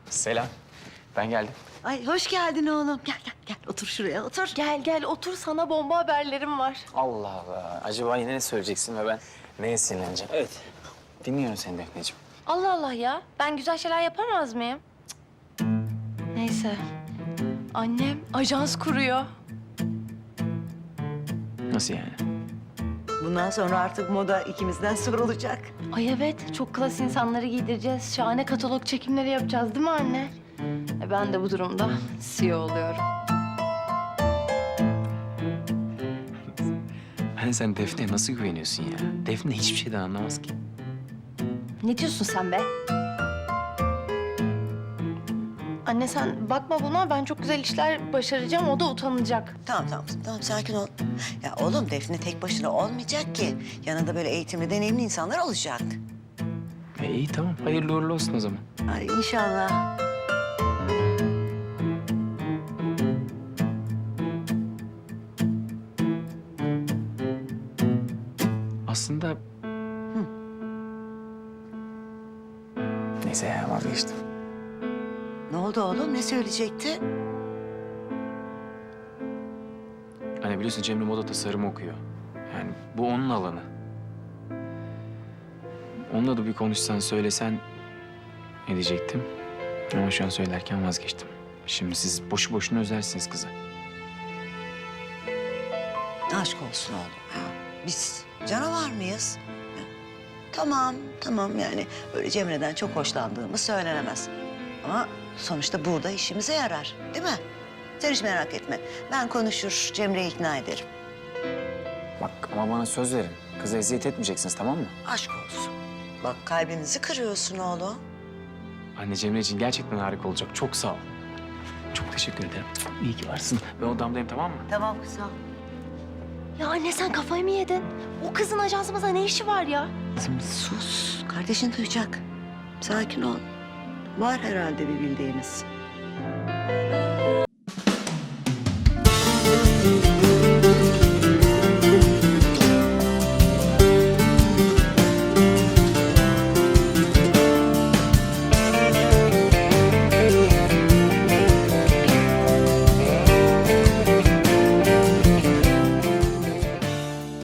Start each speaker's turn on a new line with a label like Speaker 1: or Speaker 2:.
Speaker 1: Selam. Ben geldim.
Speaker 2: Ay hoş geldin oğlum. Gel gel gel otur şuraya otur.
Speaker 3: Gel gel otur, sana bomba haberlerim var.
Speaker 1: Allah Allah. Acaba yine ne söyleyeceksin ve ben neye sinirleneceğim? Evet. Dinliyorum seni Defneciğim.
Speaker 3: Allah Allah ya, ben güzel şeyler yapamaz mıyım? Cık. Neyse, annem ajans kuruyor.
Speaker 1: Nasıl yani?
Speaker 2: Bundan sonra artık moda ikimizden sorulacak.
Speaker 3: Ay evet, çok klas insanları giydireceğiz. Şahane katalog çekimleri yapacağız değil mi anne? Ben de bu durumda CEO oluyorum.
Speaker 1: Hani sen Defne'ye nasıl güveniyorsun ya? Defne hiçbir şeyden anlamaz ki.
Speaker 3: Ne diyorsun sen be? Anne sen bakma buna, ben çok güzel işler başaracağım, o da utanacak.
Speaker 2: Tamam sakin ol. Ya oğlum Defne tek başına olmayacak ki. Yanında böyle eğitimli, deneyimli insanlar olacak.
Speaker 1: İyi tamam. Hayırlı uğurlu olsun o zaman.
Speaker 2: Ay inşallah.
Speaker 1: Aslında... Neyse ya vazgeçtim.
Speaker 2: Ne oldu oğlum? Ne söyleyecekti?
Speaker 1: Hani biliyorsun Cemre moda tasarımı okuyor. Yani bu onun alanı. Onunla da bir konuşsan, söylesen ne diyecektim. Ama şu an söylerken vazgeçtim. Şimdi siz boşu boşuna özersiniz kızı.
Speaker 2: Aşk olsun oğlum ya. Biz canavar mıyız? Ya, tamam yani böyle Cemre'den çok hoşlandığımız söylenemez. Ama sonuçta burada işimize yarar değil mi? Sen hiç merak etme. Ben konuşur Cemre'yi ikna ederim.
Speaker 1: Bak ama bana söz verin. Kıza eziyet etmeyeceksiniz tamam mı?
Speaker 2: Aşk olsun. Bak kalbimizi kırıyorsun oğlum.
Speaker 1: Anne Cemre için gerçekten harika olacak. Çok sağ ol. Çok teşekkür ederim. İyi ki varsın. Ben odamdayım tamam mı?
Speaker 2: Tamam kızım.
Speaker 3: Ya anne sen kafayı mı yedin? O kızın ajansımızda ne işi var ya?
Speaker 2: Kızım sus. Kardeşin duyacak. Sakin ol. Var herhalde bir bildiğimiz.